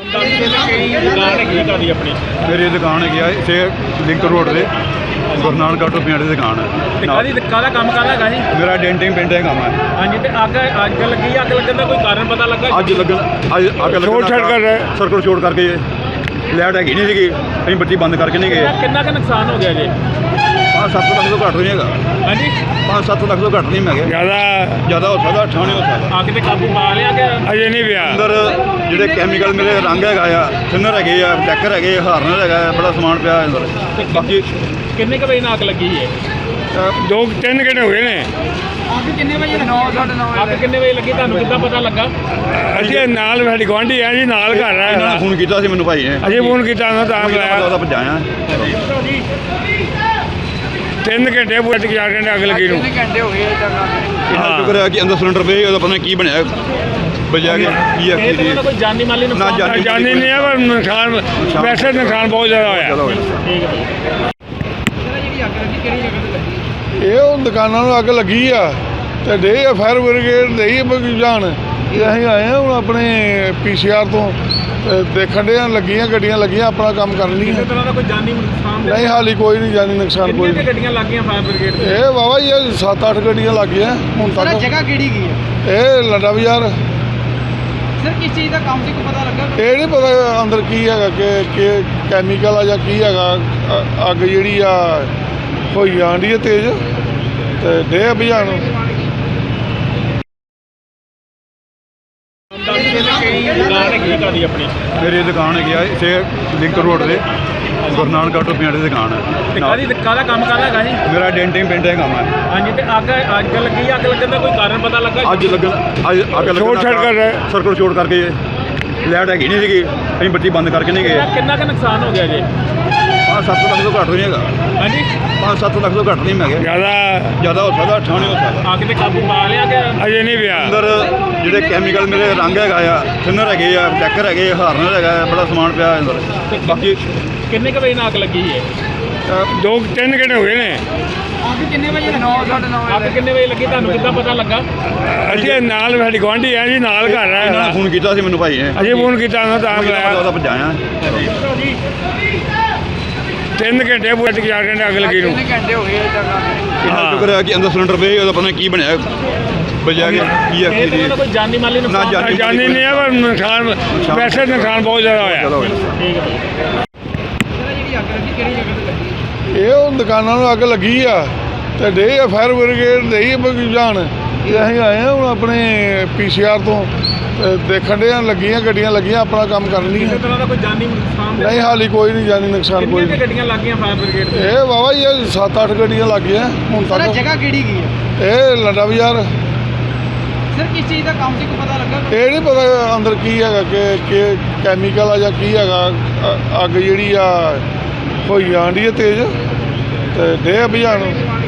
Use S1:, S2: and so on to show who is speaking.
S1: दुकान है अपनी
S2: मेरी दुकान है इतने लिंक रोड से गुरु नानक टोपियां की दुकान है।
S1: काहदा काम काहदा जी?
S2: मेरा डेंटिंग पेंटिंग काम है।
S1: हाँ जी, अग लगी अग लगन का कोई कारण पता लगा?
S2: अग लगन सर्कल छोड़ करके लाइट हैगी नहीं सी, अं बत्ती बंद करके नहीं गए।
S1: कितना का नुकसान हो गया जी?
S2: 5-7 लाख तो घट नहीं है।
S1: हाँ जी,
S2: 5-7 लाख तो घट नहीं मैं ज़्यादा हो सकता, 8 नहीं हो सकता।
S1: आग ते काबू पा लिया कि
S3: अजे नहीं पिया।
S2: अंदर ਜਿਹੜੇ ਕੈਮੀਕਲ ਮੇਰੇ ਰੰਗ ਹੈਗਾ ਆ, ਥਿਨਰ ਹੈਗੇ ਆ, ਡੈਕਰ ਹੈਗੇ, ਹਾਰਨਰ ਹੈਗਾ, ਬੜਾ ਸਮਾਨ ਪਿਆ ਅੰਦਰ। ਬਾਕੀ
S1: ਕਿੰਨੇ ਕੁ ਵਜੇ ਨਾਲ ਅੱਗ ਲੱਗੀ ਹੈ?
S3: 2-3 ਘੰਟੇ ਹੋ ਗਏ ਨੇ।
S1: ਅੱਗ ਕਿੰਨੇ ਵਜੇ? 9:30 ਅੱਗ ਕਿੰਨੇ ਵਜੇ ਲੱਗੀ, ਤੁਹਾਨੂੰ ਕਿੱਦਾਂ ਪਤਾ ਲੱਗਾ?
S3: ਅਸੀਂ ਨਾਲ ਸਾਡੀ ਗੁਆਂਢੀ ਆ ਜੀ, ਨਾਲ ਘਰ ਆ।
S2: ਇਹਨਾਂ ਨੇ ਫੋਨ ਕੀਤਾ ਸੀ ਮੈਨੂੰ ਭਾਈ ਨੇ,
S3: ਅਸੀਂ ਫੋਨ ਕੀਤਾ ਉਹਨਾਂ ਤਾਂ ਬੁਲਾਇਆ।
S2: ਉਹਦਾ ਭਜਾਇਆ
S3: 3 ਘੰਟੇ ਪੂਰੇ 4 ਘੰਟੇ ਅੱਗ ਲੱਗੀ ਨੂੰ।
S1: 3 ਘੰਟੇ ਹੋ ਗਏ
S2: ਇਹਨਾਂ ਸ਼ੁਕਰ ਹੈ ਕਿ ਅੰਦਰ ਸਿਲੰਡਰ ਪਏ, ਉਹਦਾ ਪਤਾ ਨਹੀਂ ਕੀ ਬਣਿਆ, ਬਜਿਆ ਗਿਆ ਕੀ ਹੈ ਕੀ
S1: ਕੋਈ ਜਾਨੀ ਮਾਲੀ ਨੁਕਸਾਨ?
S3: ਜਾਨੀ ਨਹੀਂ ਹੈ ਪਰ ਨੁਕਸਾਨ, ਵੈਸੇ ਨੁਕਸਾਨ ਬਹੁਤ ਜ਼ਿਆਦਾ ਹੋਇਆ।
S1: ਠੀਕ ਹੈ। ਜਿਹੜੀ ਅੱਗ ਲੱਗੀ ਕਿਹੜੀ ਜਗ੍ਹਾ ਤੇ ਲੱਗੀ?
S4: ਇਹ ਉਹ ਦੁਕਾਨਾਂ ਨੂੰ ਅੱਗ ਲੱਗੀ ਆ ਤੇ ਡੇ ਆ ਫਾਇਰ ਬ੍ਰਿਗੇਡ ਦੇਈ ਜਾਣ। ਇਹ ਅਸੀਂ ਆਏ ਹਾਂ ਹੁਣ ਆਪਣੇ PCR ਤੋਂ ਦੇਖਣ ਦੇ ਲੱਗੀਆਂ ਗੱਡੀਆਂ ਲੱਗੀਆਂ, ਆਪਣਾ ਕੰਮ ਕਰ ਲਈਆਂ।
S1: ਕਿਸੇ ਤਰ੍ਹਾਂ ਦਾ ਕੋਈ ਜਾਨੀ ਨੁਕਸਾਨ?
S4: ਨਹੀਂ ਹਾਲੀ ਕੋਈ ਨਹੀਂ ਜਾਨੀ ਨੁਕਸਾਨ ਕੋਈ
S1: ਕਿੰਨੀਆਂ ਗੱਡੀਆਂ ਲੱਗ ਗਈਆਂ ਫਾਇਰ ਬ੍ਰਿਗੇਡ ਦੀਆਂ?
S4: ਇਹ ਵਾਵਾ ਹੀ 7-8 ਗੱਡੀਆਂ ਲੱਗ ਗਈਆਂ ਹੁਣ ਤੱਕ।
S1: ਜਗ੍ਹਾ ਕਿਹੜੀ ਗਈ ਹੈ?
S4: ਇਹ ਲੰਡਾ ਬਾਜ਼ਾਰ।
S1: ਸਰ ਕਿਸ ਚੀਜ਼ ਦਾ ਕੰਮ ਸੀ, ਕੋਈ ਪਤਾ ਲੱਗਾ?
S4: ਇਹ ਨਹੀਂ ਪਤਾ ਅੰਦਰ ਕੀ ਹੈਗਾ ਕਿ ਕੈਮੀਕਲ ਆ ਜਾਂ ਕੀ ਹੈਗਾ। ਅੱਗ ਜਿਹੜੀ ਆ ਹੋਈ ਆਂਡੀ ਹੈ ਤੇਜ਼ ਤੇ ਡੇ ਬੁਝਾਉਣ।
S1: ਦੁਕਾਨ ਆਪਣੀ
S2: ਮੇਰੀ ਦੁਕਾਨ ਹੈਗੀ ਆ ਇਤਨੇ ਲਿੰਕ ਰੋਡ ਤੇ ਗੁਰੂ ਨਾਨਕ ਟੋਪੀਆਂ ਦੀ ਦੁਕਾਨ ਹੈ।
S1: ਕਾਹਦਾ ਕੰਮ ਕਾਹਦਾ ਜੀ?
S2: ਮੇਰਾ ਡੈਂਟਿੰਗ ਪੇਂਟਿੰਗ ਕੰਮ ਹੈ।
S1: ਹਾਂਜੀ, ਤੇ ਅੱਗ ਲੱਗੀ ਅੱਗ ਲੱਗਣ ਦਾ ਕੋਈ ਕਾਰਨ ਪਤਾ ਲੱਗਾ?
S2: ਅੱਗ ਲੱਗਣ ਸਰਕਲ ਛੋੜ ਕਰਕੇ ਲਾਈਟ ਹੈਗੀ ਨਹੀਂ ਸੀਗੀ, ਅਸੀਂ ਬੱਤੀ ਬੰਦ ਕਰਕੇ ਨਹੀਂ ਗਏ।
S1: ਕਿੰਨਾ ਕੁ ਨੁਕਸਾਨ ਹੋ ਗਿਆ ਜੀ?
S2: 5-7 ਲੱਖ ਤੋਂ ਘੱਟ ਨਹੀਂ ਹੈਗਾ।
S1: ਹਾਂਜੀ,
S2: 5-7 ਲੱਖ ਤੋਂ ਘੱਟ ਨਹੀਂ ਮੈਂ ज़्यादा हो सकता, 8 नहीं हो सकता।
S1: ਅੱਗ ਤੇ ਕਾਬੂ ਪਾ ਲਿਆ ਕਿ
S3: ਅਜੇ ਨਹੀਂ ਪਿਆ।
S2: ਅੰਦਰ ਜਿਹੜੇ ਕੈਮੀਕਲ ਮੇਰੇ ਰੰਗ ਹੈਗਾ ਆ, ਥਿਨਰ ਹੈਗੇ ਆ, ਡੈਕਰ ਹੈਗੇ, ਹਾਰਨਰ ਹੈਗਾ, ਬੜਾ ਸਮਾਨ ਪਿਆ ਅੰਦਰ। ਬਾਕੀ
S1: ਕਿੰਨੇ ਕੁ ਵਜੇ ਨਾਲ ਅੱਗ ਲੱਗੀ ਹੈ?
S3: 2-3 ਘੰਟੇ ਹੋ ਗਏ ਨੇ।
S1: ਅੱਗ ਕਿੰਨੇ ਵਜੇ? 9:30 ਅੱਗ ਕਿੰਨੇ ਵਜੇ ਲੱਗੀ, ਤੁਹਾਨੂੰ ਕਿੱਦਾਂ ਪਤਾ ਲੱਗਾ?
S3: ਅਸੀਂ ਨਾਲ ਸਾਡੀ ਗੁਆਂਢੀ ਆ ਜੀ, ਨਾਲ ਘਰ ਆ।
S2: ਇਹਨਾਂ ਨੇ ਫੋਨ ਕੀਤਾ ਸੀ ਮੈਨੂੰ ਭਾਈ ਨੇ,
S3: ਅਸੀਂ ਫੋਨ ਕੀਤਾ ਉਹਨਾਂ ਤਾਂ ਬੁਲਾਇਆ।
S2: ਉਹਦਾ ਭਜਾਇਆ
S3: 3 ਘੰਟੇ ਪੂਰੇ 4 ਘੰਟੇ ਅੱਗ ਲੱਗੀ ਨੂੰ।
S1: 3 ਘੰਟੇ ਹੋ ਗਏ
S2: ਇਹਨਾਂ ਸ਼ੁਕਰ ਹੈ ਕਿ ਅੰਦਰ ਸਿਲੰਡਰ ਪਏ, ਉਹਦਾ ਪਤਾ ਨਹੀਂ ਕੀ ਬਣਿਆ, ਬਜਿਆ ਗਿਆ ਕੀ ਹੈ ਕੀ
S1: ਕੋਈ ਜਾਨੀ ਮਾਲੀ ਨੁਕਸਾਨ?
S3: ਜਾਨੀ ਨਹੀਂ ਹੈ ਪਰ ਨੁਕਸਾਨ, ਵੈਸੇ ਨੁਕਸਾਨ ਬਹੁਤ ਜ਼ਿਆਦਾ ਹੋਇਆ।
S1: ਠੀਕ ਹੈ। ਜਿਹੜੀ ਅੱਗ ਲੱਗੀ ਕਿਹੜੀ ਜਗ੍ਹਾ ਤੇ ਲੱਗੀ?
S4: ਇਹ ਉਹ ਦੁਕਾਨਾਂ ਨੂੰ ਅੱਗ ਲੱਗੀ ਆ ਤੇ ਡੇ ਆ ਫਾਇਰ ਬ੍ਰਿਗੇਡ ਦੇਈ ਜਾਣ। ਇਹ ਅਸੀਂ ਆਏ ਹਾਂ ਹੁਣ ਆਪਣੇ PCR ਤੋਂ ਦੇਖਣ ਦੇ ਲੱਗੀਆਂ ਗੱਡੀਆਂ ਲੱਗੀਆਂ, ਆਪਣਾ ਕੰਮ ਕਰ ਲਈਆਂ।
S1: ਕਿਸੇ ਤਰ੍ਹਾਂ ਦਾ ਕੋਈ ਜਾਨੀ ਨੁਕਸਾਨ?
S4: ਨਹੀਂ ਹਾਲੀ ਕੋਈ ਨਹੀਂ ਜਾਨੀ ਨੁਕਸਾਨ ਕੋਈ
S1: ਕਿੰਨੀਆਂ ਗੱਡੀਆਂ ਲੱਗ ਗਈਆਂ ਫਾਇਰ ਬ੍ਰਿਗੇਡ ਦੀਆਂ?
S4: ਇਹ ਵਾਵਾ ਹੀ 7-8 ਗੱਡੀਆਂ ਲੱਗ ਗਈਆਂ ਹੁਣ ਤੱਕ।
S1: ਜਗ੍ਹਾ ਕਿਹੜੀ ਗਈ ਹੈ?
S4: ਇਹ ਲੰਡਾ ਬਾਜ਼ਾਰ।
S1: ਸਰ ਕਿਸ ਚੀਜ਼ ਦਾ ਕੰਮ ਸੀ, ਕੋਈ ਪਤਾ ਲੱਗਾ?
S4: ਇਹ ਨਹੀਂ ਪਤਾ ਅੰਦਰ ਕੀ ਹੈਗਾ ਕਿ ਕੈਮੀਕਲ ਆ ਜਾਂ ਕੀ ਹੈਗਾ। ਅੱਗ ਜਿਹੜੀ ਆ ਹੋਈ ਆਂਡੀ ਹੈ ਤੇਜ਼ ਤੇ ਡੇ ਬੁਝਾਉਣ।